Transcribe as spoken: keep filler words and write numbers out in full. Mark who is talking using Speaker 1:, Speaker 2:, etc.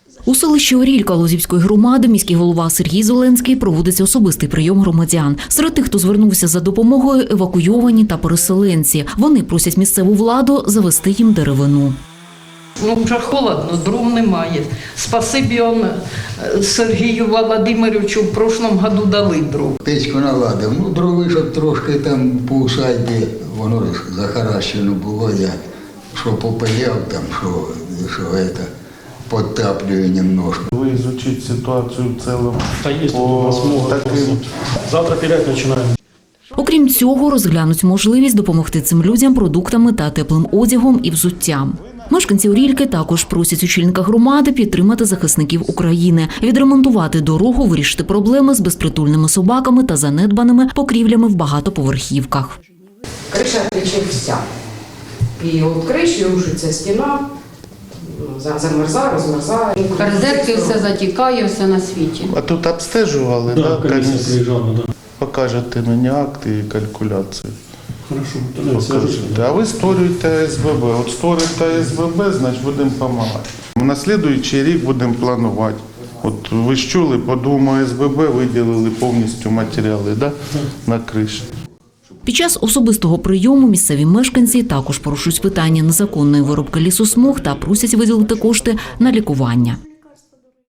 Speaker 1: У селищі Орілька Лозівської громади міський голова Сергій Зеленський проводиться особистий прийом громадян. Серед тих, хто звернувся за допомогою, евакуйовані та переселенці. Вони просять місцеву владу завести їм деревину.
Speaker 2: Ну, вже холодно, дров немає. Спасибі он Сергію Володимировичу в прошлому году дали дров.
Speaker 3: Печку наладив, ну дрови, щоб трошки там по усадьбі, воно захаращено було, я що попаяв там, що, що це, підтаплюю немножко.
Speaker 4: Ви изучите ситуацію в цілому.
Speaker 5: Та є
Speaker 4: По
Speaker 5: у нас много
Speaker 4: таким-
Speaker 5: вопросов. Завтра пилять починаємо.
Speaker 1: Окрім цього, розглянуть можливість допомогти цим людям продуктами та теплим одягом і взуттям. Мешканці Орільки також просять очільника громади підтримати захисників України, відремонтувати дорогу, вирішити проблеми з безпритульними собаками та занедбаними покрівлями в багатоповерхівках.
Speaker 6: Криша тече вся. І от криші рушиться стіна, за- замерзає, розмерзає.
Speaker 7: Розетки все затікає, все на світі.
Speaker 4: А тут обстежували,
Speaker 5: Да,
Speaker 4: да,
Speaker 5: комісія
Speaker 4: комісія?
Speaker 5: приїжджала, да.
Speaker 4: Покажете мені акти і калькуляції.
Speaker 5: Хорошо, тоді
Speaker 4: Покажете.
Speaker 5: свяжусь.
Speaker 4: А ви створюєте А С Б Б. От створюєте А С Б Б, значить будемо допомагати. На слідуючий рік будемо планувати. От ви ж чули, по двом А С Б Б виділили повністю матеріали, да, на криші.
Speaker 1: Під час особистого прийому місцеві мешканці також порушують питання незаконної вирубки лісосмуг та просять виділити кошти на лікування.